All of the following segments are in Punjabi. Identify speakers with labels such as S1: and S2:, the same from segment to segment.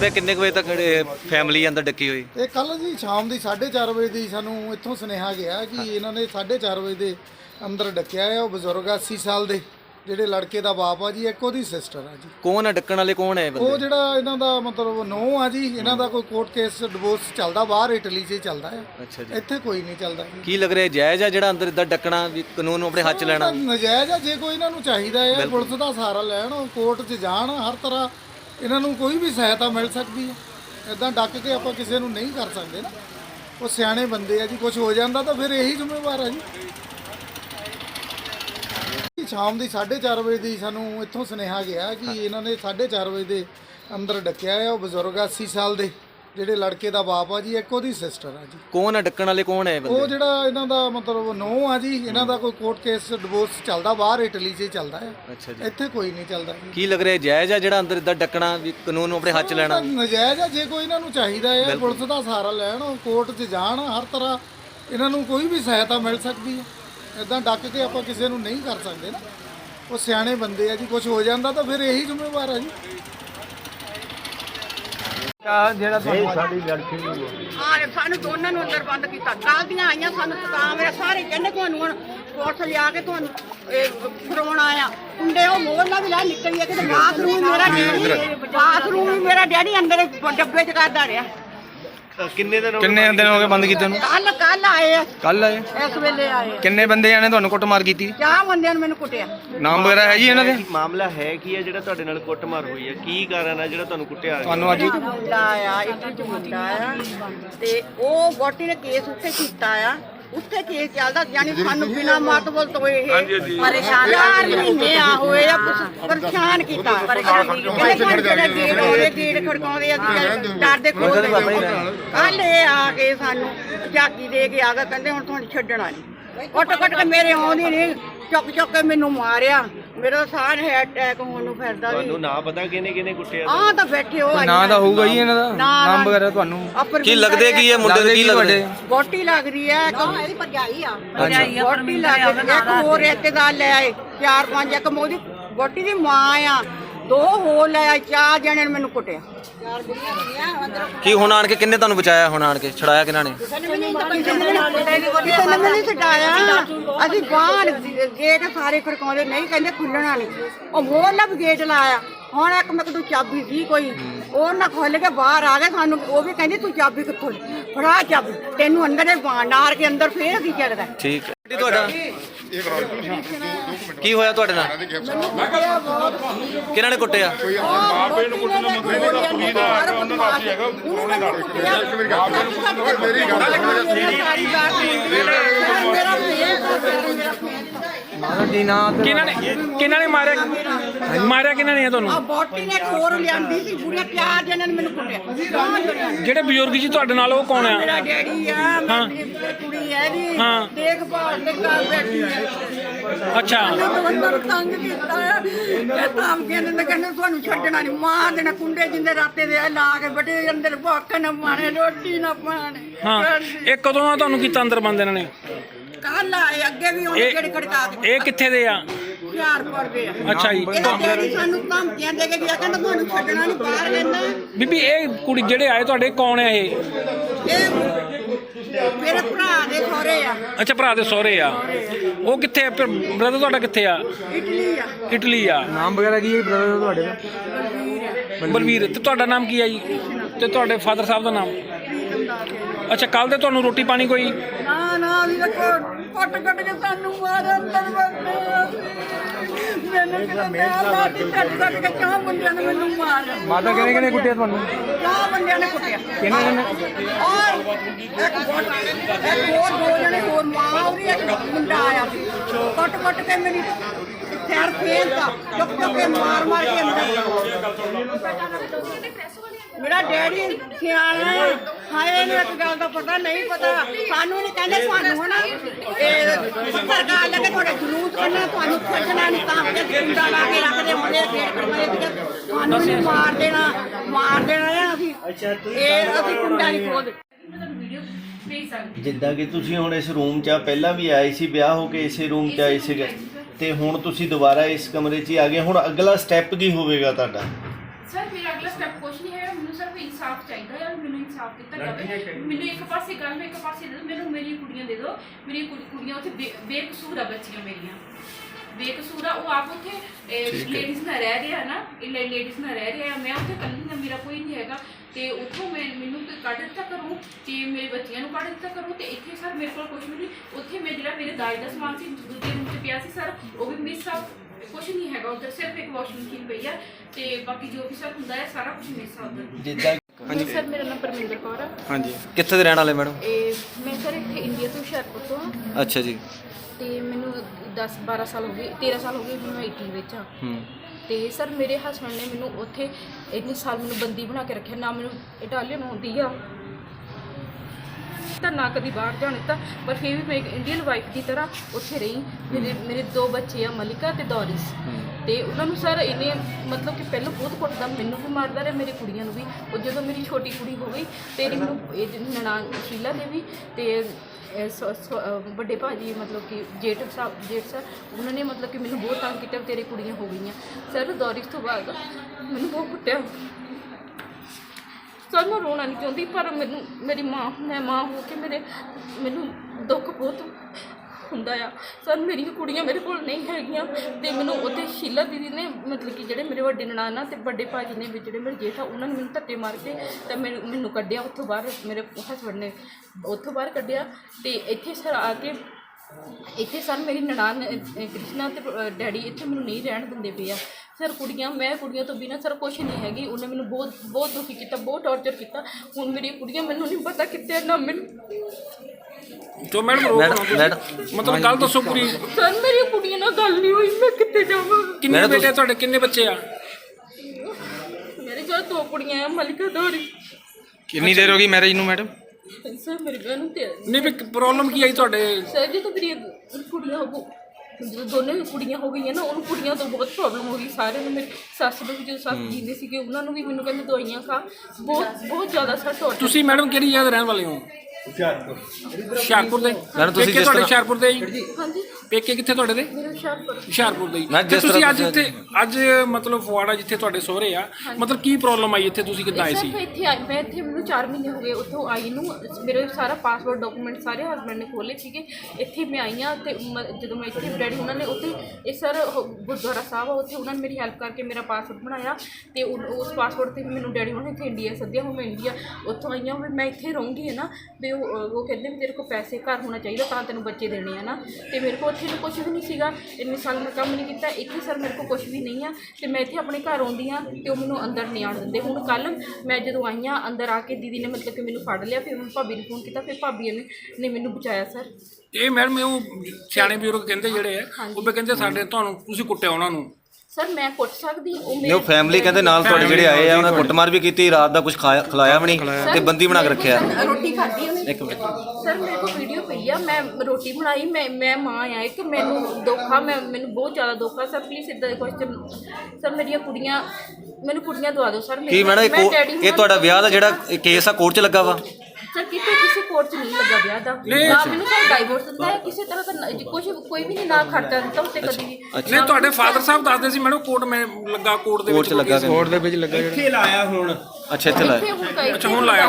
S1: ਲੱਗਦਾ ਕਿੰਨੇ ਕੁ ਵਜੇ ਤੱਕ ਫੈਮਿਲੀ ਅੰਦਰ ਡੱਕੀ ਹੋਈ?
S2: ਇਹ ਕੱਲ ਜੀ ਸ਼ਾਮ ਦੀ 4:30 ਵਜੇ ਦੀ ਸਾਨੂੰ ਇੱਥੋਂ ਸੁਨੇਹਾ ਗਿਆ ਕਿ ਇਹਨਾਂ ਨੇ 4:30 ਵਜੇ ਦੇ ਅੰਦਰ ਡੱਕਿਆ ਹੈ। ਉਹ ਬਜ਼ੁਰਗ 80 ਸਾਲ ਦੇ ਜਿਹੜੇ ਲੜਕੇ ਦਾ ਬਾਪ ਆ ਜੀ, ਇੱਕ ਉਹਦੀ ਸਿਸਟਰ ਆ ਜੀ।
S1: ਕੌਣ ਹੈ ਡੱਕਣ ਵਾਲੇ, ਕੌਣ ਹੈ
S2: ਉਹ ਜਿਹੜਾ ਇਹਨਾਂ ਦਾ ਮਤਲਬ ਨੋ ਆ ਜੀ, ਇਹਨਾਂ ਦਾ ਕੋਈ ਕੋਰਟ ਕੇਸ ਡਿਵੋਰਸ ਚੱਲਦਾ ਬਾਹਰ ਇਟਲੀ 'ਚ ਚੱਲਦਾ ਹੈ।
S1: ਅੱਛਾ ਜੀ।
S2: ਇੱਥੇ ਕੋਈ ਨਹੀਂ ਚੱਲਦਾ।
S1: ਕੀ ਲੱਗ ਰਿਹਾ ਜਾਇਜ਼ ਆ ਜਿਹੜਾ ਅੰਦਰ ਇਦਾਂ ਡੱਕਣਾ, ਵੀ ਕਾਨੂੰਨ ਨੂੰ ਆਪਣੇ ਹੱਥ 'ਚ ਲੈਣਾ?
S2: ਨਜਾਇਜ਼ ਆ। ਜੇ ਕੋਈ ਇਹਨਾਂ ਨੂੰ ਚਾਹੀਦਾ ਹੈ ਪੁਲਿਸ ਦਾ ਸਹਾਰਾ ਲੈਣ, ਉਹ ਕੋਰਟ 'ਚ ਜਾਣ, ਹਰ ਤਰ੍ਹਾਂ ਇਹਨਾਂ ਨੂੰ ਕੋਈ ਵੀ ਸਹਾਇਤਾ ਮਿਲ ਸਕਦੀ ਹੈ। ਇੱਦਾਂ ਡੱਕ ਕੇ ਆਪਾਂ ਕਿਸੇ ਨੂੰ ਨਹੀਂ ਕਰ ਸਕਦੇ ਨਾ। ਉਹ ਸਿਆਣੇ ਬੰਦੇ ਆ ਜੀ, ਕੁਝ ਹੋ ਜਾਂਦਾ ਤਾਂ ਫਿਰ ਇਹੀ ਜ਼ਿੰਮੇਵਾਰ ਆ ਜੀ। ਸ਼ਾਮ ਦੀ 4:30 ਵਜੇ ਦੀ ਸਾਨੂੰ ਇੱਥੋਂ ਸੁਨੇਹਾ ਗਿਆ ਕਿ ਇਹਨਾਂ ਨੇ 4:30 ਵਜੇ ਦੇ ਅੰਦਰ ਡੱਕਿਆ ਹੈ। ਉਹ ਬਜ਼ੁਰਗ 80 ਸਾਲ ਦੇ ਜਿਹੜੇ ਲੜਕੇ ਦਾ ਬਾਪ ਆ ਜੀ, ਇੱਕ ਉਹਦੀ ਸਿਸਟਰ ਆ ਜੀ।
S1: ਕੌਣ ਹੈ ਡੱਕਣ ਵਾਲੇ, ਕੌਣ ਹੈ
S2: ਉਹ ਜਿਹੜਾ ਇਹਨਾਂ ਦਾ ਮਤਲਬ ਨੋ ਆ ਜੀ, ਇਹਨਾਂ ਦਾ ਕੋਈ ਕੋਰਟ ਕੇਸ ਡਿਵੋਰਸ ਚੱਲਦਾ ਬਾਹਰ ਇਟਲੀ 'ਚ ਚੱਲਦਾ ਹੈ।
S1: ਅੱਛਾ ਜੀ।
S2: ਇੱਥੇ ਕੋਈ ਨਹੀਂ ਚੱਲਦਾ।
S1: ਕੀ ਲੱਗ ਰਿਹਾ ਜਾਇਜ਼ ਆ ਜਿਹੜਾ ਅੰਦਰ ਇਦਾਂ ਡੱਕਣਾ, ਵੀ ਕਾਨੂੰਨ ਨੂੰ ਆਪਣੇ ਹੱਥ 'ਚ ਲੈਣਾ?
S2: ਨਜਾਇਜ਼ ਆ। ਜੇ ਕੋਈ ਇਹਨਾਂ ਨੂੰ ਚਾਹੀਦਾ ਹੈ ਪੁਲਿਸ ਦਾ ਸਹਾਰਾ ਲੈਣ, ਉਹ ਕੋਰਟ 'ਚ ਜਾਣ, ਹਰ ਤਰ੍ਹਾਂ ਇਹਨਾਂ ਨੂੰ ਕੋਈ ਵੀ ਸਹਾਇਤਾ ਮਿਲ ਸਕਦੀ ਹੈ। ਇੱਦਾਂ ਡੱਕ ਕੇ ਆਪਾਂ ਕਿਸੇ ਨੂੰ ਨਹੀਂ ਕਰ ਸਕਦੇ ਨਾ। ਉਹ ਸਿਆਣੇ ਬੰਦੇ ਆ ਜੀ, ਕੁਝ ਹੋ ਜਾਂਦਾ ਤਾਂ ਫਿਰ ਇਹੀ ਜ਼ਿੰਮੇਵਾਰ ਆ ਜੀ।
S3: ਜਿਹੜਾ ਸਾਡੀ ਲੜਕੀ ਨੂੰ
S4: ਸਾਨੂੰ ਦੋਨਾਂ ਨੂੰ ਅੰਦਰ ਬੰਦ ਕੀਤਾ। ਕੱਲ੍ਹ ਦੀਆਂ ਆਈਆਂ ਸਾਨੂੰ ਤਾਂ ਮੇਰੇ ਸਾਰੇ ਕਹਿੰਦੇ ਤੁਹਾਨੂੰ ਹੁਣ ਪੁਲਿਸ ਲਿਆ ਕੇ ਤੁਹਾਨੂੰ ਫੜਾਉਣ ਆਇਆ। ਕੁੰਡੇ ਉਹ ਮੋਰ ਨਾਲ ਵੀ ਲੈ ਨਿਕਲੀ ਹੈ ਕਿ ਬਾਥਰੂਮ ਵੀ ਮੇਰਾ ਡੈਡੀ ਅੰਦਰ ਡੱਬੇ 'ਚ ਕਰਦਾ ਰਿਹਾ।
S3: ਕਿੰਨੇ ਦਿਨ ਹੋ ਗਏ ਬੰਦ ਕੀਤੇ ਨੂੰ?
S4: ਕੱਲ ਆਏ ਆ।
S3: ਕੱਲ ਆਏ?
S4: ਇਸ ਵੇਲੇ ਆਏ।
S3: ਕਿੰਨੇ ਬੰਦੇ ਆਣੇ ਤੁਹਾਨੂੰ ਕੁੱਟਮਾਰ ਕੀਤੀ?
S4: 4 ਬੰਦਿਆਂ ਨੇ ਮੈਨੂੰ ਕੁੱਟਿਆ।
S3: ਨਾਮ ਵਗੈਰਾ ਹੈ ਜੀ ਇਹਨਾਂ ਦੇ?
S5: ਮਾਮਲਾ ਹੈ ਕੀ ਹੈ ਜਿਹੜਾ ਤੁਹਾਡੇ ਨਾਲ ਕੁੱਟਮਾਰ ਹੋਈ ਹੈ? ਕੀ ਕਾਰਨ ਹੈ ਜਿਹੜਾ ਤੁਹਾਨੂੰ ਕੁੱਟਿਆ?
S3: ਤੁਹਾਨੂੰ ਅੱਜ
S4: ਮੁੰਡਾ ਆਇਆ, ਇੱਕ ਮੁੰਡਾ ਆਇਆ ਤੇ ਉਹ ਗੋਟੀ ਨੇ ਕੇਸ ਉੱਥੇ ਕੀਤਾ ਆ। ਉੱਥੇ ਕੇਸ ਚੱਲਦਾ, ਯਾਨੀ ਸਾਨੂੰ ਬਿਨਾਂ ਮਤਲਬ ਤੋਂ ਇਹ ਪਰੇਸ਼ਾਨ 4 ਮਹੀਨੇ ਆ ਹੋਏ ਆ, ਪਰੇਸ਼ਾਨ ਕੀਤਾ। ਗੇਟ ਖੜਕਾਉਂਦੇ ਆ, ਡਰਦੇ ਖੋਲਦੇ। ਕੱਲ ਇਹ ਆ ਕੇ ਸਾਨੂੰ ਝਾਕੀ ਦੇ ਕੇ ਆ ਗਿਆ, ਕਹਿੰਦੇ ਹੁਣ ਤੁਹਾਨੂੰ ਛੱਡਣਾ ਨਹੀਂ। ਕੁੱਟ ਕੇ ਮੇਰੇ ਆਉਂਦੀ ਨਹੀਂ, ਚੁੱਕ ਕੇ ਮੈਨੂੰ ਮਾਰਿਆ। ਮੇਰਾ ਸਾਹ ਹੈ ਅਟੈਕ ਹੋਣ ਨੂੰ ਫਿਰਦਾ ਸੀ।
S5: ਤੁਹਾਨੂੰ ਨਾ ਪਤਾ ਕਿਹਨੇ ਕੁੱਟਿਆ?
S4: ਆਹ ਤਾਂ ਬੈਠੇ ਹੋ
S3: ਨਾਂ ਤਾਂ ਹੋਊਗਾ ਜੀ ਇਹਨਾਂ ਦਾ, ਨਾਮ ਵਗੈਰਾ ਤੁਹਾਨੂੰ
S1: ਕੀ ਲੱਗਦੇ ਕੀ ਹੈ ਮੁੰਡੇ ਦੇ? ਕੀ ਲੱਗਦੇ?
S4: ਗੋਟੀ ਲੱਗ ਰਹੀ ਹੈ, ਇਹਦੀ ਭਰਜਾਈ ਆ। ਗੋਟੀ ਲੱਗ ਰਹੀ ਹੈ। ਇੱਕ ਹੋਰ ਰਿਸ਼ਤੇਦਾਰ ਲੈ ਆਏ 4-5, ਇੱਕ ਮੋਦੀ ਗੋਟੀ ਦੀ ਮਾਂ ਆ, 2 ਹੋਰ ਲੈ ਆਏ। 4 ਜਣਿਆਂ ਨੇ ਮੈਨੂੰ ਕੁੱਟਿਆ।
S1: ਕੀ ਹੁਣ ਆਣ ਕੇ ਕਿੰਨੇ ਤੁਹਾਨੂੰ ਬਚਾਇਆ? ਹੁਣ ਆਣ ਕੇ ਛੜਾਇਆ ਕਿਹਨਾਂ ਨੇ?
S4: ਕਿਸੇ ਨੇ ਨਹੀਂ ਛਡਾਇਆ। ਅਸੀਂ ਬਾਹਰ ਗੇਟ ਸਾਰੇ ਖੜਕਾਉਂਦੇ, ਨਹੀਂ ਕਹਿੰਦੇ ਖੁੱਲਣਾ ਨਹੀਂ। ਉਹ ਮੋਰ ਨਾਲ ਗੇਟ ਲਾਇਆ। ਹੁਣ ਇੱਕ ਮੇਰੇ ਕੋਲ ਚਾਬੀ ਸੀ ਕੋਈ, ਉਹ ਨਾ ਖੋਲ ਕੇ ਬਾਹਰ ਆ ਗਏ। ਸਾਨੂੰ ਉਹ ਵੀ ਕਹਿੰਦੀ ਤੂੰ ਚਾਬੀ ਕਿੱਥੋਂ ਫੜਾ ਚਾਬੀ, ਤੈਨੂੰ ਅੰਦਰ ਨਾਰ ਕੇ ਅੰਦਰ ਫੇਰ ਕੀ ਚੱਲਦਾ।
S1: ਠੀਕ ਹੈ। ਤੁਹਾਡਾ ਕੀ ਹੋਇਆ ਤੁਹਾਡੇ ਨਾਲ? ਕਿਹਨਾਂ ਨੇ ਕੁੱਟਿਆ?
S3: ਕਿਹਨਾਂ ਨੇ ਮਾਰਿਆ ਕਿਹਨਾਂ ਨੇ ਤੁਹਾਨੂੰ?
S4: ਬੋਟੀ ਨੇ ਖੋਰ ਲਿਆਂਦੀ ਸੀ ਪੂਰੀਆਂ 4 ਜਣਿਆਂ ਨੇ ਮੈਨੂੰ ਕੁੱਟਿਆ।
S3: ਜਿਹੜੇ ਬਜ਼ੁਰਗ ਜੀ ਤੁਹਾਡੇ ਨਾਲ ਉਹ ਕੌਣ ਆ?
S4: ਮੇਰਾ ਡੈਡੀ ਆ, ਮੇਰੀ ਕੁੜੀ ਹੈ ਜੀ, ਦੇਖਭਾਲ ਦੇ ਘਰ ਬੈਠੀ ਹੈ।
S3: ਅੱਛਾ।
S4: ਅੰਦਰ ਤੰਗ ਕੀਤਾ ਹੈ। ਇਹ ਤਾਂ ਕਹਿੰਦੇ ਤੁਹਾਨੂੰ ਛੱਡਣਾ ਨਹੀਂ। ਮਾਂ ਦੇ ਨਾ ਕੁੰਡੇ ਜਿੰਦੇ ਰਾਤੇ ਦੇ ਲਾ ਕੇ ਬੜੇ ਅੰਦਰ ਭੁੱਖ ਨਾ ਪਾਣੇ, ਰੋਟੀ ਨਾ ਪਾਣੇ।
S3: ਹਾਂ, ਇਹ ਕਦੋਂ ਆ ਤੁਹਾਨੂੰ ਕੀਤਾ ਅੰਦਰ ਬੰਦ ਇਹਨਾਂ ਨੇ?
S4: ਕੱਲ ਆਏ, ਅੱਗੇ ਵੀ ਉਹਨੇ ਕਿਹੜੇ ਖੜਕਾ ਕੇ।
S3: ਇਹ ਕਿੱਥੇ ਦੇ ਆ?
S4: ਹੁਸ਼ਿਆਰਪੁਰ ਦੇ ਆ।
S3: ਅੱਛਾ ਜੀ।
S4: ਇਹਦਾ ਡੈਡੀ ਸਾਨੂੰ ਧਮਕੀਆਂ ਦੇ ਕੇ ਗਿਆ, ਕਹਿੰਦਾ ਤੁਹਾਨੂੰ ਛੱਡਣਾ ਨਹੀਂ, ਬਾਹਰ ਕਹਿੰਦਾ।
S3: ਬੀਬੀ ਇਹ ਕੁੜੀ ਜਿਹੜੇ ਆਏ ਤੁਹਾਡੇ ਕੌਣ ਆ ਇਹ?
S4: ਇਹ ਮੇਰੇ ਭਰਾ ਦੇ ਸਹੁਰੇ ਆ।
S3: ਅੱਛਾ, ਭਰਾ ਦੇ ਸਹੁਰੇ ਆ। ਉਹ ਕਿੱਥੇ? ਬ੍ਰਦਰ ਤੁਹਾਡਾ ਕਿੱਥੇ ਆ?
S4: ਇਟਲੀ ਆ।
S3: ਇਟਲੀ ਆ। ਨਾਮ ਵਗੈਰਾ ਕੀ ਹੈ ਬ੍ਰਦਰ ਦਾ ਤੁਹਾਡੇ ਦਾ? ਬਲਵੀਰ। ਤੇ ਤੁਹਾਡਾ ਨਾਮ ਕੀ ਹੈ ਜੀ? ਤੇ ਤੁਹਾਡੇ ਫਾਦਰ ਸਾਹਿਬ ਦਾ ਨਾਮ? ਅੱਛਾ। ਕੱਲ ਦੇ ਤੁਹਾਨੂੰ ਰੋਟੀ ਪਾਣੀ ਕੋਈ?
S4: ਨਾ ਵੀ ਕੁੱਟ ਕੇ ਸਾਨੂੰ ਮਾਰ ਅੰਦਰ ਵੜਦੇ। ਮੈਨੂੰ ਕਿਹਾ ਲਾਤੀ ਕੱਟ ਕੇ 4 ਬੰਦਿਆਂ ਨੇ ਮੈਨੂੰ ਮਾਰਿਆ।
S3: ਮਾਤਾ ਕਿਹਨੇ ਕੁੱਟਿਆ ਤੁਹਾਨੂੰ?
S4: 4 ਬੰਦਿਆਂ ਨੇ ਕੁੱਟਿਆ।
S3: ਕਿਹਨੇ?
S4: ਔਰ ਇੱਕ ਹੋਰ 2 ਜਣੇ ਹੋਰ, ਮਾਂ ਉਹਦੀ ਇੱਕ ਮੁੰਡਾ ਆਇਆ ਸੀ। ਕੁੱਟ ਕੇ ਮੇਰੀ ਸਿਰ ਫੇਲਦਾ, ਚੁੱਕ ਕੇ ਮਾਰ ਕੇ ਅੰਦਰ। ਮੇਰਾ ਡੈਡੀ ਸਿਆਣਾ ਹੈ। ਹਾਏ, ਇਹਨੂੰ ਇੱਕ ਗੱਲ ਦਾ ਪਤਾ ਨਹੀਂ। ਪਤਾ ਸਾਨੂੰ ਨਹੀਂ ਕਹਿੰਦੇ। ਸਾਨੂੰ ਹੁਣ ਇਹ ਸਰਕਾਰ ਲੱਗੇ ਤੁਹਾਡੇ ਜਲੂਸ ਕਰਨਾ, ਤੁਹਾਨੂੰ ਛੱਡਣਾ ਨਹੀਂ, ਤਾਂ ਕਿ ਗੁੰਡਾ ਲਾ ਕੇ ਰੱਖਦੇ ਹੁੰਦੇ ਗੇਟ ਕਰਵਾਏ। ਤੁਹਾਨੂੰ ਨਹੀਂ ਮਾਰ ਦੇਣਾ ਆ ਅਸੀਂ। ਇਹ ਅਸੀਂ ਗੁੰਡਾ ਨਹੀਂ ਖੋਦ।
S5: ਜਿੱਦਾਂ ਕਿ ਤੁਸੀਂ ਹੁਣ ਇਸ ਰੂਮ 'ਚ ਪਹਿਲਾਂ ਵੀ ਆਏ ਸੀ, ਵਿਆਹ ਹੋ ਕੇ ਇਸੇ ਰੂਮ 'ਚ ਆਏ ਸੀਗੇ, ਤੇ ਹੁਣ ਤੁਸੀਂ ਦੁਬਾਰਾ ਇਸ ਕਮਰੇ 'ਚ ਹੀ ਆ ਗਏ। ਹੁਣ ਅਗਲਾ ਸਟੈਪ ਕੀ ਹੋਵੇਗਾ ਤੁਹਾਡਾ?
S6: ਸਰ ਮੇਰਾ ਅਗਲਾ ਸਟੈਪ ਕੁਛ ਨਹੀਂ ਹੈ, ਮੈਨੂੰ ਸਿਰਫ ਇਨਸਾਫ ਚਾਹੀਦਾ ਹੈ, ਮੈਨੂੰ ਇਨਸਾਫ ਦਿੱਤਾ ਜਾਵੇ। ਮੈਨੂੰ ਇੱਕ ਪਾਸੇ ਗੱਲ ਨੂੰ ਇੱਕ ਪਾਸੇ ਦੇ ਦਿਓ, ਮੈਨੂੰ ਮੇਰੀਆਂ ਕੁੜੀਆਂ ਦੇ ਦਿਓ। ਮੇਰੀਆਂ ਕੁੜੀਆਂ ਉੱਥੇ ਬੇਕਸੂਰ ਆ, ਬੱਚੀਆਂ ਮੇਰੀਆਂ ਬੇਕਸੂਰ ਆ। ਉਹ ਆਪ ਉੱਥੇ ਲੇਡੀਜ਼ ਨਾਲ ਰਹਿ ਰਿਹਾ ਨਾ, ਲੇਡੀਜ਼ ਨਾਲ ਰਹਿ ਰਿਹਾ, ਮੈਂ ਉੱਥੇ ਇਕੱਲੀ ਹਾਂ, ਮੇਰਾ ਕੋਈ ਨਹੀਂ ਹੈਗਾ। ਤੇ ਉੱਥੋਂ ਮੈਨੂੰ ਕੱਢ ਦਿੱਤਾ ਕਰੂੰ ਤੇ ਮੇਰੇ ਬੱਚਿਆਂ ਨੂੰ ਕੱਢ ਦਿੱਤਾ ਕਰੂੰ। ਤੇ ਇੱਥੇ ਸਰ ਮੇਰੇ ਕੋਲ ਕੁਛ ਵੀ ਨਹੀਂ। ਉੱਥੇ ਮੈਂ ਜਿਹੜਾ ਮੇਰੇ ਦਾਜ ਦਾ ਸਮਾਨ ਸੀ ਦੂਜੇ ਰੂਮ 'ਚ ਪਿਆ ਸੀ ਸਰ, ਉਹ ਵੀ ਮਿਸ ਆ, ਕੁਛ ਨਹੀਂ ਹੈਗਾ ਉੱਧਰ, ਸਿਰਫ ਇੱਕ ਵਾਸ਼ਿੰਗ ਮਸ਼ੀਨ ਪਈ ਆ ਤੇ ਬਾਕੀ ਜੋ ਵੀ ਸਰ ਹੁੰਦਾ ਹੈ ਸਾਰਾ ਕੁਝ ਮਿਸ ਆ ਉੱਧਰ।
S1: ਜਿੱਦਾਂ
S6: ਹਾਂਜੀ ਸਰ, ਮੇਰਾ ਨਾਮ ਪਰਮਿੰਦਰ ਕੌਰ ਆ।
S1: ਹਾਂਜੀ, ਕਿੱਥੇ ਦੇ ਰਹਿਣ ਵਾਲੇ ਮੈਡਮ?
S6: ਮੈਂ ਸਰ ਇੱਥੇ ਇੰਡੀਆ ਤੋਂ ਹੁਸ਼ਿਆਰਪੁਰ ਤੋਂ ਹਾਂ
S1: ਅੱਛਾ ਜੀ।
S6: ਤੇ ਮੈਨੂੰ 10-12 ਸਾਲ ਹੋ ਗਏ, 13 ਸਾਲ ਹੋ ਗਏ ਹੁਣ ਮੈਂ ਇਟਲੀ ਵਿੱਚ ਹਾਂ। ਤੇ ਸਰ ਮੇਰੇ ਹਸਬੈਂਡ ਨੇ ਮੈਨੂੰ ਉੱਥੇ ਇੰਨੇ ਸਾਲ ਮੈਨੂੰ ਬੰਦੀ ਬਣਾ ਕੇ ਰੱਖਿਆ, ਨਾ ਮੈਨੂੰ ਇਟਾਲੀਅਨ ਆਉਂਦੀ ਆ ਤਾਂ ਨਾ ਕਦੀ ਬਾਹਰ ਜਾਣ ਦਿੱਤਾ, ਪਰ ਫਿਰ ਵੀ ਮੈਂ ਇੱਕ ਇੰਡੀਅਨ ਵਾਈਫ ਦੀ ਤਰ੍ਹਾਂ ਉੱਥੇ ਰਹੀ। ਮੇਰੇ 2 ਬੱਚੇ ਆ, ਮਲਿਕਾ ਤੇ ਦੌਰਿਸ। ਤੇ ਉਹਨਾਂ ਨੂੰ ਸਰ ਇਹਨੇ ਮਤਲਬ ਕਿ ਪਹਿਲਾਂ ਬਹੁਤ ਕੁੱਟਦਾ, ਮੈਨੂੰ ਵੀ ਮਾਰਦਾ ਰਿਹਾ, ਮੇਰੀ ਕੁੜੀਆਂ ਨੂੰ ਵੀ। ਉਹ ਜਦੋਂ ਮੇਰੀ ਛੋਟੀ ਕੁੜੀ ਹੋ ਗਈ ਤੇ ਮੈਨੂੰ ਇਹ ਨਨਾਣ ਸ਼ੀਲਾ ਦੇਵੀ ਤੇ ਵੱਡੇ ਭਾਜੀ ਮਤਲਬ ਕਿ ਜੇਠ ਸਰ ਉਹਨਾਂ ਨੇ ਮਤਲਬ ਕਿ ਮੈਨੂੰ ਬਹੁਤ ਤੰਗ ਕੀਤਾ, ਤੇਰੇ ਕੁੜੀਆਂ ਹੋ ਗਈਆਂ। ਸਰ ਦੌਰਿਸ ਤੋਂ ਬਾਅਦ ਮੈਨੂੰ ਬਹੁਤ ਕੁੱਟਿਆ। ਸਰ ਮੈਂ ਰੋਣਾ ਨਹੀਂ ਚਾਹੁੰਦੀ, ਪਰ ਮੈਨੂੰ ਮੇਰੀ ਮੈਂ ਮਾਂ ਹੋ ਕੇ ਮੈਨੂੰ ਦੁੱਖ ਬਹੁਤ ਹੁੰਦਾ ਆ। ਸਰ ਮੇਰੀਆਂ ਕੁੜੀਆਂ ਮੇਰੇ ਕੋਲ ਨਹੀਂ ਹੈਗੀਆਂ ਤੇ ਮੈਨੂੰ ਉੱਥੇ ਸ਼ੀਲਾ ਦੀਦੀ ਨੇ ਮਤਲਬ ਕਿ ਜਿਹੜੇ ਮੇਰੇ ਵੱਡੇ ਨਨਾਣ ਆ ਤੇ ਵੱਡੇ ਭਾਜੀ ਨੇ ਜਿਹੜੇ ਮੇਰੇ ਜੇਠ ਆ, ਉਹਨਾਂ ਨੇ ਮੈਨੂੰ ਧੱਕੇ ਮਾਰ ਕੇ ਤੇ ਮੈਨੂੰ ਕੱਢਿਆ ਉੱਥੋਂ ਬਾਹਰ। ਮੇਰੇ ਹਸਬੈਂਡ ਨੇ ਉੱਥੋਂ ਬਾਹਰ ਕੱਢਿਆ ਤੇ ਇੱਥੇ ਸਰ ਆ ਕੇ ਇੱਥੇ ਸਰ ਮੇਰੀ ਨਨਾਣ ਕ੍ਰਿਸ਼ਨਾ ਤੇ ਡੈਡੀ ਇੱਥੇ ਮੈਨੂੰ ਨਹੀਂ ਰਹਿਣ ਦਿੰਦੇ ਪਏ ਆ। ਸਰ ਮੈਂ ਕੁੜੀਆਂ ਤੋਂ ਬਿਨਾਂ ਸਰ ਕੁਛ ਨਹੀਂ ਹੈਗੀ। ਉਹਨੇ ਮੈਨੂੰ ਬਹੁਤ ਦੁਖੀ ਕੀਤਾ, ਬਹੁਤ ਟੌਰਚਰ ਕੀਤਾ। ਹੁਣ ਮੇਰੀਆਂ ਕੁੜੀਆਂ ਮੈਨੂੰ ਨਹੀਂ ਪਤਾ ਕਿੱਥੇ ਨਾ ਮੈਨੂੰ।
S3: ਜੋ ਮੈਡਮ ਮਤਲਬ ਗੱਲ ਦੱਸੋ ਪੂਰੀ।
S6: ਸਰ ਮੇਰੀਆਂ ਕੁੜੀਆਂ ਨਾਲ ਗੱਲ ਨਹੀਂ ਹੋਈ, ਮੈਂ ਕਿੱਥੇ ਜਾਵਾਂ?
S3: ਕਿੰਨੇ ਬੇਟੇ ਤੁਹਾਡੇ, ਕਿੰਨੇ ਬੱਚੇ ਆ?
S6: ਮੇਰੇ ਕੋਲ 2 ਕੁੜੀਆਂ ਆ, ਮਲਿਕਾ ਦੌਰੀ।
S1: ਕਿੰਨੀ ਦੇਰ ਹੋ ਗਈ ਮੈਰਿਜ ਨੂੰ ਮੈਡਮ?
S6: ਸਰ ਮੇਰੇ ਵਿਆਹ ਨੂੰ ਤੇ
S3: ਨਹੀਂ ਵੀ ਪ੍ਰੋਬਲਮ ਕੀ ਆਈ ਤੁਹਾਡੇ?
S6: ਸਰ ਜਦੋਂ ਮੇਰੀਆਂ ਕੁੜੀਆਂ ਜਦੋਂ ਦੋਨੇ ਕੁੜੀਆਂ ਹੋ ਗਈਆਂ ਨਾ, ਉਹਨੂੰ ਕੁੜੀਆਂ ਤੋਂ ਬਹੁਤ ਪ੍ਰੋਬਲਮ ਹੋ ਗਈ ਸਾਰਿਆਂ ਨੂੰ। ਮੇਰੀ ਸੱਸ ਨੂੰ ਵੀ, ਜੋ ਸੱਸ ਜੀਂਦੇ ਸੀਗੇ ਉਹਨਾਂ ਨੂੰ ਵੀ ਮੈਨੂੰ ਕਹਿੰਦੇ ਦਵਾਈਆਂ ਖਾ, ਬਹੁਤ ਜ਼ਿਆਦਾ ਸਰ ਟੌਰਚਰ।
S3: ਤੁਸੀਂ ਮੈਡਮ ਕਿਹੜੀ ਜਗ੍ਹਾ ਦੇ ਰਹਿਣ ਵਾਲੇ ਹੋ? ਹੁਸ਼ਿਆਰਪੁਰ ਦੇ।
S1: ਮੈਡਮ ਤੁਸੀਂ ਜਿਸ
S3: ਤੁਹਾਡੇ ਹੁਸ਼ਿਆਰਪੁਰ ਦੇ ਜੀ?
S6: ਹਾਂਜੀ
S3: ਪੇਕੇ ਕਿੱਥੇ ਤੁਹਾਡੇ ਦੇ?
S6: ਮੇਰੇ
S3: ਹੁਸ਼ਿਆਰਪੁਰ ਦੇ।
S1: ਮੈਂ ਜਿਸ
S3: ਤੁਸੀਂ
S1: ਤਰ੍ਹਾਂ
S3: ਅੱਜ ਮਤਲਬ ਫੁਆੜਾ ਜਿੱਥੇ ਤੁਹਾਡੇ ਸਹੁਰੇ ਆ, ਮਤਲਬ ਕੀ ਪ੍ਰੋਬਲਮ ਆਈ ਇੱਥੇ, ਤੁਸੀਂ ਕਿੱਦਾਂ ਆਏ ਸੀ?
S6: ਮੈਂ ਇੱਥੇ ਮੈਨੂੰ 4 ਮਹੀਨੇ ਹੋ ਗਏ ਉੱਥੋਂ ਆਈ ਨੂੰ। ਮੇਰੇ ਸਾਰਾ ਪਾਸਪੋਰਟ ਡਾਕੂਮੈਂਟ ਸਾਰੇ ਹਸਬੈਂਡ ਨੇ ਖੋਲ੍ਹੇ ਸੀਗੇ। ਇੱਥੇ ਮੈਂ ਆਈ ਹਾਂ ਤੇ ਜਦੋਂ ਮੈਂ ਇੱਥੇ ਡੈਡੀ ਉਹਨਾਂ ਨੇ ਉੱਥੇ ਇਹ ਸਰ ਗੁਰਦੁਆਰਾ ਸਾਹਿਬ ਆ, ਉੱਥੇ ਉਹਨਾਂ ਨੇ ਮੇਰੀ ਹੈਲਪ ਕਰਕੇ ਮੇਰਾ ਪਾਸਪੋਰਟ ਬਣਾਇਆ ਤੇ ਉਸ ਪਾਸਪੋਰਟ 'ਤੇ ਮੈਨੂੰ ਡੈਡੀ ਉਹਨਾਂ ਨੇ ਇੱਥੇ ਇੰਡੀਆ ਸੱਦਿਆ। ਹੁਣ ਮੈਂ ਇੰਡੀਆ ਉੱਥੋਂ ਆਈ ਹਾਂ, ਮੈਂ ਇੱਥੇ ਰਹੂੰਗੀ ਹੈ ਨਾ। ਵੀ ਉਹ ਕਹਿੰਦੇ ਵੀ ਤੇਰੇ ਕੋਲ ਪੈਸੇ ਘਰ ਹੋਣਾ ਚਾਹੀਦਾ ਤਾਂ ਤੈਨੂੰ ਬੱਚੇ ਦੇਣੇ ਆ ਨਾ। ਤੇ ਮੇਰੇ ਕੋਲ ਉੱਥੇ ਕੁਛ ਵੀ ਨਹੀਂ ਸੀਗਾ, ਇੰਨੇ ਸਾਲ ਮੈਂ ਕੰਮ ਨਹੀਂ ਕੀਤਾ। ਇੱਥੇ ਸਰ ਮੇਰੇ ਕੋਲ ਕੁਛ ਵੀ ਨਹੀਂ ਆ ਤੇ ਮੈਂ ਇੱਥੇ ਆਪਣੇ ਘਰ ਆਉਂਦੀ ਹਾਂ ਤੇ ਉਹ ਮੈਨੂੰ ਅੰਦਰ ਨਹੀਂ ਆਉਣ ਦਿੰਦੇ। ਹੁਣ ਕੱਲ੍ਹ ਮੈਂ ਜਦੋਂ ਆਈ ਹਾਂ ਅੰਦਰ ਆ ਕੇ ਦੀਦੀ ਨੇ ਮਤਲਬ ਕਿ ਮੈਨੂੰ ਫੜ ਲਿਆ, ਫਿਰ ਮੈਂ ਭਾਬੀ ਨੂੰ ਫੋਨ ਕੀਤਾ, ਫਿਰ ਭਾਬੀ ਨੇ ਮੈਨੂੰ ਬਚਾਇਆ ਸਰ।
S3: ਇਹ ਮੈਡਮ ਉਹ ਸਿਆਣੇ ਬਜ਼ੁਰਗ ਕਹਿੰਦੇ ਜਿਹੜੇ ਆ, ਉਹ ਵੀ ਕਹਿੰਦੇ ਸਾਡੇ ਤੁਹਾਨੂੰ ਤੁਸੀਂ ਕੁੱਟਿਆ ਉਹਨਾਂ ਨੂੰ।
S6: ਸਰ ਮੈਂ ਕੁੱਟ ਸਕਦੀ
S1: ਉਹ ਫੈਮਿਲੀ ਕਹਿੰਦੇ ਨਾਲ ਤੁਹਾਡੇ ਜਿਹੜੇ ਆਏ ਆ ਉਹਨਾਂ ਕੁੱਟਮਾਰ ਵੀ ਕੀਤੀ, ਰਾਤ ਦਾ ਕੁਝ ਖਿਲਾਇਆ ਵੀ ਨਹੀਂ ਤੇ ਬੰਦੀ ਬਣਾ ਕੇ ਰੱਖਿਆ।
S6: ਰੋਟੀ ਖਾਧੀ ਉਹਨੇ।
S1: ਇੱਕ ਮਿੰਟ
S6: ਸਰ ਮੇਰੇ ਕੋਲ ਵੀਡੀਓ ਪਈ ਆ, ਮੈਂ ਰੋਟੀ ਬਣਾਈ, ਮੈਂ ਮਾਂ ਆ ਇੱਕ, ਮੈਨੂੰ ਦੁੱਖ ਆ, ਮੈਨੂੰ ਬਹੁਤ ਜ਼ਿਆਦਾ ਦੁੱਖ ਆ। ਸਰ ਪਲੀਜ਼ ਇੱਦਾਂ ਦੇ ਕੁਐਸਚਨ ਸਰ ਮੇਰੀਆਂ ਕੁੜੀਆਂ ਮੈਨੂੰ ਕੁੜੀਆਂ ਦਵਾ ਦਿਓ ਸਰ।
S1: ਕੀ ਮੈਡਮ ਇਹ ਤੁਹਾਡਾ ਵਿਆਹ ਦਾ ਜਿਹੜਾ ਕੇਸ ਆ ਕੋਰਟ 'ਚ ਲੱਗਾ ਵਾ?
S6: ਸਰ ਕਿਸੇ ਕੋਰਟ 'ਚ ਨਹੀਂ ਲੱਗਾ ਵਿਆਹ ਦਾ ਨਾ। ਮੈਨੂੰ ਸਰ ਡਾਈਵੋਰਸ ਦਿੱਤਾ ਹੈ ਕਿਸੇ ਤਰ੍ਹਾਂ ਦਾ, ਕੋਈ ਵੀ ਨਹੀਂ, ਨਾ ਖਰਚਾ ਦਿੱਤਾ ਉੱਤੇ ਕਦੀ ਵੀ।
S3: ਨਹੀਂ ਤੁਹਾਡੇ ਫਾਦਰ ਸਾਹਿਬ ਦੱਸਦੇ ਸੀ ਮੈਡਮ ਕੋਰਟ ਮੈਂ ਲੱਗਾ, ਕੋਰਟ ਦੇ ਵਿੱਚ
S1: ਲੱਗਾ,
S3: ਕੋਰਟ ਦੇ ਵਿੱਚ ਲੱਗਾ।
S5: ਇੱਥੇ ਲਾਇਆ ਹੁਣ।
S1: ਅੱਛਾ ਇੱਥੇ ਲਾਇਆ।
S6: ਅੱਛਾ ਹੁਣ ਲਾਇਆ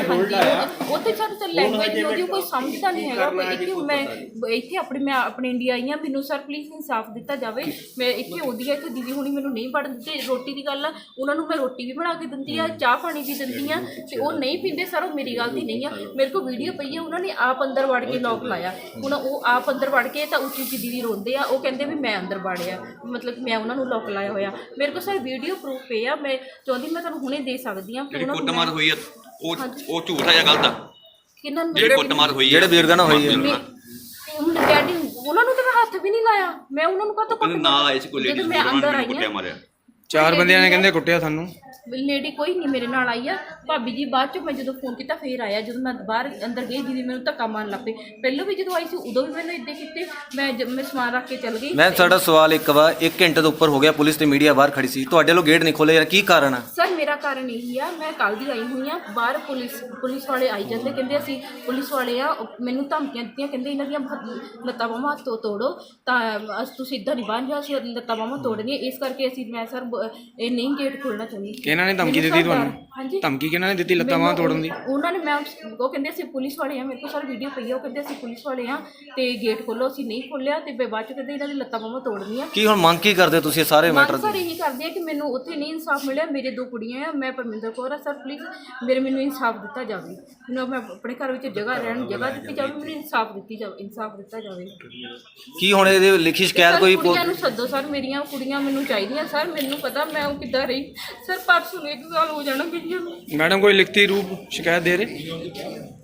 S6: ਉੱਥੇ ਸਰ ਲੈਂਗੁਏਜ ਉਹਦੀ ਕੋਈ ਸਮਝਦਾ ਨਹੀਂ ਹੈਗਾ। ਮੈਂ ਇੱਥੇ ਮੈਂ ਆਪਣੇ ਇੰਡੀਆ ਆਈ ਹਾਂ, ਮੈਨੂੰ ਸਰ ਪਲੀਜ਼ ਇਨਸਾਫ ਦਿੱਤਾ ਜਾਵੇ। ਮੈਂ ਇੱਥੇ ਆਉਂਦੀ ਹਾਂ, ਇੱਥੇ ਦੀਦੀ ਹੁਣੀ ਮੈਨੂੰ ਨਹੀਂ ਵੜਨ ਦਿੰਦੇ। ਰੋਟੀ ਦੀ ਗੱਲ ਆ, ਉਹਨਾਂ ਨੂੰ ਮੈਂ ਰੋਟੀ ਵੀ ਬਣਾ ਕੇ ਦਿੰਦੀ ਆ, ਚਾਹ ਪਾਣੀ ਵੀ ਦਿੰਦੀ ਆ ਤੇ ਉਹ ਨਹੀਂ ਪੀਂਦੇ ਸਰ। ਉਹ ਮੇਰੀ ਗਲਤੀ ਨਹੀਂ ਆ, ਮੇਰੇ ਕੋਲ ਵੀਡੀਓ ਪਈ ਆ। ਉਹਨਾਂ ਨੇ ਆਪ ਅੰਦਰ ਵੜ ਕੇ ਲੋਕ ਲਾਇਆ। ਹੁਣ ਉਹ ਆਪ ਅੰਦਰ ਵੜ ਕੇ ਤਾਂ ਉੱਚੀ ਉੱਚੀ ਦੀਦੀ ਰੋਂਦੇ ਆ, ਉਹ ਕਹਿੰਦੇ ਵੀ ਮੈਂ ਅੰਦਰ ਵੜਿਆ, ਮਤਲਬ ਮੈਂ ਉਹਨਾਂ ਨੂੰ ਲੋਕ ਲਾਇਆ ਹੋਇਆ। ਮੇਰੇ ਕੋਲ ਸਰ ਵੀਡੀਓ ਪ੍ਰੂਫ ਪਏ ਆ, ਮੈਂ ਚਾਹੁੰਦੀ ਮੈਂ ਤੁਹਾਨੂੰ ਹੁਣੇ ਦੇ ਸਕਦੀ ਹਾਂ।
S7: ਜਿਹੜੀ ਕੁੱਟਮਾਰ ਹੋਈ ਆ ਉਹ ਝੂਠ ਆ ਜਾਂ ਗਲਤ ਆ?
S6: ਕਿਹਨਾਂ ਨੂੰ?
S7: ਜਿਹੜੀ ਕੁੱਟਮਾਰ ਹੋਈ
S1: ਜਿਹੜੇ ਬਜ਼ੁਰਗਾਂ ਨਾਲ ਹੋਈ ਹੈ
S6: ਹੁਣ ਡੈਡੀ ਉਹਨਾਂ ਨੂੰ ਤਾਂ ਮੈਂ ਹੱਥ ਵੀ ਨਹੀਂ ਲਾਇਆ। ਮੈਂ ਉਹਨਾਂ ਨੂੰ ਕਾਹਤੋਂ
S7: ਕਹਿੰਦੇ ਨਾਲ ਆਏ ਸੀ ਕੋਈ ਲੇਡੀ,
S6: ਮੈਂ ਅੰਦਰ ਆਈ
S7: ਕੁੱਟਿਆ ਮਾਰਿਆ।
S3: 4 ਬੰਦਿਆਂ ਨੇ ਕਹਿੰਦੇ ਕੁੱਟਿਆ ਸਾਨੂੰ।
S6: ਲੇਡੀ ਕੋਈ ਨਹੀਂ ਮੇਰੇ ਨਾਲ ਆਈ ਆ। ਭਾਬੀ ਜੀ ਬਾਅਦ ਚੋਂ ਮੈਂ ਜਦੋਂ ਫੋਨ ਕੀਤਾ ਫੇਰ ਆਇਆ। ਜਦੋਂ ਮੈਂ ਬਾਹਰ ਅੰਦਰ ਗਈ ਦੀਦੀ ਮੈਨੂੰ ਧੱਕਾ ਮਾਰਨ ਲੱਗ ਪਈ। ਪਹਿਲਾਂ ਵੀ ਜਦੋਂ ਆਈ ਸੀ ਉਦੋਂ ਵੀ ਮੈਨੂੰ ਇੱਦਾਂ ਕੀਤੇ। ਮੈਂ ਸਮਾਨ ਰੱਖ ਕੇ ਚੱਲ ਗਈ।
S1: ਮੈਂ ਸਾਡਾ ਸਵਾਲ ਇੱਕ ਵਾ, 1 ਘੰਟੇ ਤੋਂ ਉੱਪਰ ਹੋ ਗਿਆ, ਪੁਲਿਸ ਤੇ ਮੀਡੀਆ ਬਾਹਰ ਖੜੀ ਸੀ, ਤੁਹਾਡੇ ਵੱਲੋਂ ਗੇਟ ਨਹੀਂ ਖੋਲ੍ਹੇ ਯਾਰ, ਕੀ ਕਾਰਨ ਆ?
S6: ਸਰ ਮੇਰਾ ਕਾਰਨ ਇਹੀ ਆ, ਮੈਂ ਕੱਲ੍ਹ ਦੀ ਆਈ ਹੋਈ ਆ। ਬਾਹਰ ਪੁਲਿਸ ਵਾਲੇ ਆਈ ਜਾਂਦੇ, ਕਹਿੰਦੇ ਅਸੀਂ ਪੁਲਿਸ ਵਾਲੇ ਆ। ਮੈਨੂੰ ਧਮਕੀਆਂ ਦਿੱਤੀਆਂ, ਕਹਿੰਦੇ ਇਹਨਾਂ ਦੀਆਂ ਲੱਤਾਂ ਬਾਹਾਂ ਤੋੜੋ ਤਾਂ ਤੁਸੀਂ ਇੱਦਾਂ ਨਹੀਂ ਬਣ ਜਾ, ਅਸੀਂ ਲੱਤਾਂ ਬਾਹਾਂ ਤੋੜਨੀਆਂ। ਇਸ ਕਰਕੇ ਮੈਂ ਸਰ ਇਹ ਨਹੀਂ ਗੇਟ ਖੋਲਣਾ ਚਾਹੁੰਦੀ।
S3: ਕਿਹਨਾਂ ਨੇ ਧਮਕੀ
S6: ਮੈਨੂੰ
S3: ਦਿੱਤੀ
S6: ਸਾਡਾ-
S3: ਤੁਹਾਨੂੰ?
S6: ਹਾਂਜੀ
S3: ਧਮਕੀ ਕਿਹਨਾਂ ਨੇ ਦਿੱਤੀ ਲੱਤਾਂ ਬਾਹਾਂ ਤੋੜਨ ਦੀ?
S6: ਉਹਨਾਂ ਨੇ ਮੈਂ ਉਹ ਕਹਿੰਦੇ ਅਸੀਂ ਪੁਲਿਸ ਵਾਲੇ ਆ, ਮੇਰੇ ਕੋਲ ਸਾਰੀ ਵੀਡੀਓ ਪਈ ਆ, ਉਹ ਕਹਿੰਦੇ ਅਸੀਂ ਪੁਲਿਸ ਵਾਲੇ ਆ ਤੇ ਗੇਟ ਖੋਲੋ, ਅਸੀਂ ਨਹੀਂ ਖੋਲਿਆ ਤੇ ਬਾਅਦ ਚ ਕਹਿੰਦੇ ਇਹਨਾਂ ਦੀ ਲੱਤਾਂ ਬਾਹਾਂ ਤੋੜਨੀਆਂ।
S1: ਕੀ ਹੁਣ ਮੰਗ ਕੀ ਕਰਦੇ ਤੁਸੀਂ ਸਾਰੇ ਮੈਟਰ
S6: ਸਰ ਇਹੀ ਕਰਦੇ ਆ ਕਿ ਮੈਨੂੰ ਉੱਥੇ ਨਹੀਂ ਇਨਸਾਫ ਮਿਲਿਆ, ਮੇਰੇ 2 ਕੁੜੀਆਂ ਆ, ਮੈਂ ਪਰਮਿੰਦਰ ਕੌਰ ਆ ਸਰ, ਪਲੀਜ਼ ਮੈਨੂੰ ਇਨਸਾਫ ਦਿੱਤਾ ਜਾਵੇ, ਮੈਨੂੰ ਮੈਂ ਆਪਣੇ ਘਰ ਵਿੱਚ ਜਗ੍ਹਾ ਰਹਿਣ ਜਗ੍ਹਾ ਦਿੱਤੀ ਜਾਵੇ, ਮੈਨੂੰ ਇਨਸਾਫ ਦਿੱਤਾ ਜਾਵੇ।
S1: ਕੀ ਹੁਣ ਇਹਦੇ ਲਿਖੀ ਸ਼ਿਕਾਇਤ ਕੋਈ
S6: ਕੁੜੀਆਂ ਨੂੰ ਸੱਦੋ ਸਰ, ਮੇਰੀਆਂ ਕੁੜੀਆਂ ਮੈਨੂੰ ਚਾਹੀਦੀਆਂ ਸਰ, ਮੈਨੂੰ ਪਤਾ ਮੈਂ ਉਹ ਕਿੱਦਾਂ ਰਹੀ ਸਰ, ਪਰਸੋਂ ਨੂੰ 1 ਸਾਲ ਹੋ ਜਾਣਾ ਗਈ।
S3: ਮੈਡਮ ਕੋਈ ਲਿਖਤੀ ਰੂਪ ਸ਼ਿਕਾਇਤ ਦੇ ਰਹੇ?